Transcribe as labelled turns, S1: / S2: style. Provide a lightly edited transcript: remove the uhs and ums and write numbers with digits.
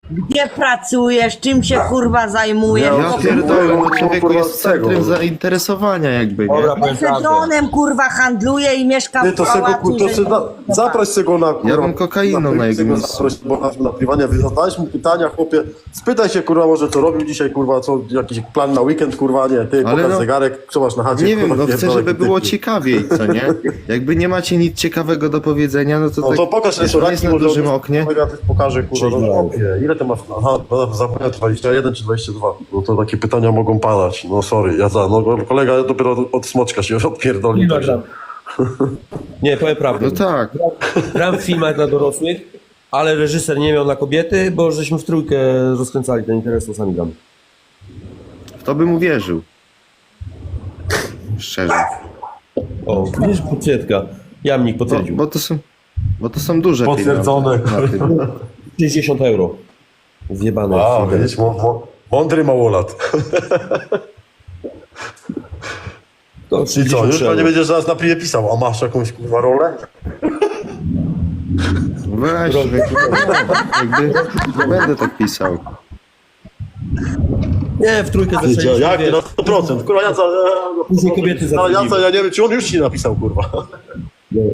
S1: Gdzie pracujesz? Czym się kurwa zajmujesz?
S2: Ja pierdolę, no człowieku jest w centrum zainteresowania jakby, nie?
S3: Dobra, powiem prawdę.
S1: Sezonem kurwa handluje i mieszka
S4: Ty
S1: w
S4: to sobie
S1: pałacu,
S4: to
S1: że-
S4: sobie zaproś sobie go na kurwa.
S2: Ja bym kokainą na jego miejscu.
S4: Zaproś, bo na pływanie zadałeś mu pytania, chłopie. Spytaj się kurwa może co robił dzisiaj, kurwa, co jakiś plan na weekend, kurwa, nie, ty
S2: Ale
S4: pokaż
S2: no-
S4: zegarek, co masz na chacie,
S2: Nie wiem,
S4: kurwa,
S2: no chcę,
S4: pierdolę,
S2: żeby
S4: ty.
S2: było ciekawiej, co nie? Jakby nie macie nic ciekawego do powiedzenia, no to
S4: No
S2: tak,
S4: to pokaż
S2: wiesz, nie jest
S4: restaurację,
S2: na
S4: może
S2: dużym
S4: on-
S2: oknie.
S4: Ja też pokażę, kurwa, no chłopie, ile ty masz, aha, no, zapewne 21 czy 22, no to takie pytania mogą padać, no sorry, no kolega dopiero od smoczka się odpierdolił,
S3: Ile
S4: także.
S3: gram? Nie, powiem prawdę.
S2: No tak,
S3: Gram w filmach dla dorosłych, ale reżyser nie miał na kobiety, bo żeśmy w trójkę rozkręcali ten interes, to sami gramy.
S2: w to bym uwierzył. Szczerze.
S3: O, widzisz, potwierdka. Jamnik potwierdził.
S2: Bo to są duże
S4: Potwierdzone,
S2: pieniądze na tym.
S3: 60 euro. Zjebane.
S4: A, widzisz, mądry małolat.
S3: To
S4: I co,
S3: 60
S4: już
S3: euro.
S4: nie będziesz zaraz na pliwie pisał, a masz jakąś kurwa rolę?
S2: Weź, jakby nie będę tak pisał.
S3: Nie, w trójkę zaczęliśmy,
S4: Jak?
S3: wiesz,
S4: Na 100%, kurwa,
S3: Później kobiety
S4: ja
S3: zatrudniły.
S4: nie wiem, czy on już ci napisał, kurwa.